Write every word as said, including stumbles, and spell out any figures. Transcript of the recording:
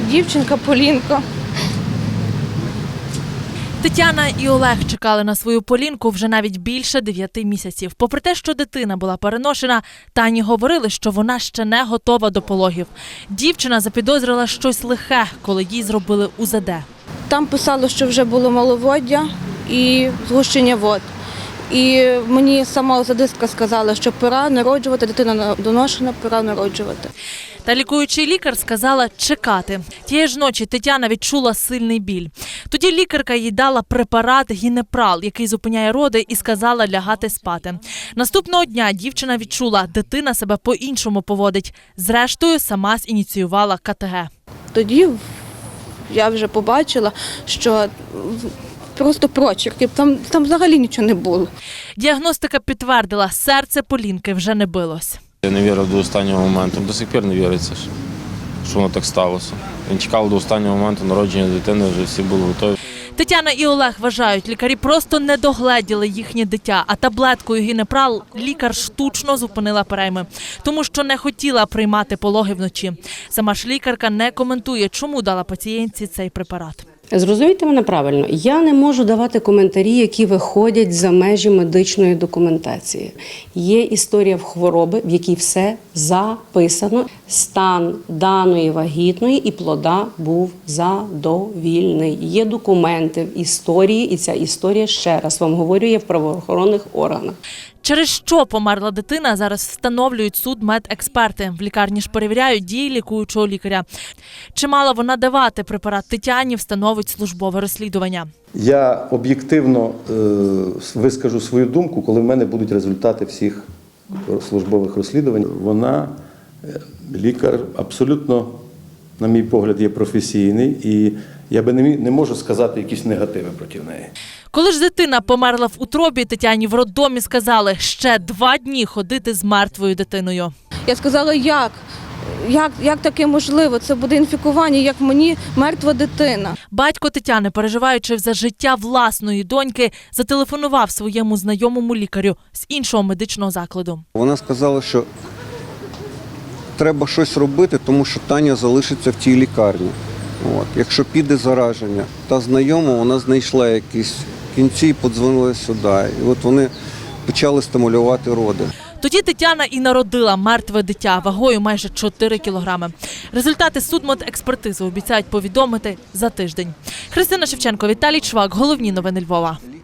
дівчинка Полінка. Тетяна і Олег чекали на свою Полінку вже навіть більше дев'яти місяців. Попри те, що дитина була переношена, Тані говорили, що вона ще не готова до пологів. Дівчина запідозрила щось лихе, коли їй зробили у зет де. Там писало, що вже було маловоддя і згущення вод. І мені сама озадистка сказала, що пора народжувати, дитина доношена, пора народжувати. Та лікуючий лікар сказала чекати. Тієї ж ночі Тетяна відчула сильний біль. Тоді лікарка їй дала препарат гінепрал, який зупиняє роди, і сказала лягати спати. Наступного дня дівчина відчула, дитина себе по-іншому поводить. Зрештою, сама зініціювала ка те ге. Тоді я вже побачила, що просто прочерки, там, там взагалі нічого не було. Діагностика підтвердила, серце Полінки вже не билось. Я не вірив до останнього моменту, до сих пір не віриться, що воно так сталося. Він чекав до останнього моменту народження дитини, вже всі були готові. Тетяна і Олег вважають, лікарі просто не догледіли їхнє дитя, а таблеткою гінепрал лікар штучно зупинила перейми, тому що не хотіла приймати пологи вночі. Сама ж лікарка не коментує, чому дала пацієнтці цей препарат. Зрозумійте мене правильно, я не можу давати коментарі, які виходять за межі медичної документації. Є історія в хвороби, в якій все записано. Стан даної вагітної і плода був задовільний. Є документи в історії, і ця історія, ще раз вам говорю, є в правоохоронних органах. Через що померла дитина, зараз встановлюють судмедексперти. В лікарні ж перевіряють дії лікуючого лікаря. Чи мала вона давати препарат Тетяні, встановить службове розслідування. Я об'єктивно е, вискажу свою думку, коли в мене будуть результати всіх службових розслідувань. Вона, лікар, абсолютно, на мій погляд, є професійний, і я би не, не можу сказати якісь негативи проти неї. Коли ж дитина померла в утробі, Тетяні в роддомі сказали, ще два дні ходити з мертвою дитиною. Я сказала, як? Як, як таке можливо? Це буде інфікування, як мені мертва дитина. Батько Тетяни, переживаючи за життя власної доньки, зателефонував своєму знайомому лікарю з іншого медичного закладу. Вона сказала, що треба щось робити, тому що Таня залишиться в тій лікарні. От. Якщо піде зараження, та знайома, вона знайшла якісь кінці і подзвонила сюди. І от вони почали стимулювати роди. Тоді Тетяна і народила мертве дитя вагою майже чотири кілограми. Результати судмедекспертизи обіцяють повідомити за тиждень. Христина Шевченко, Віталій Чвак. Головні новини Львова.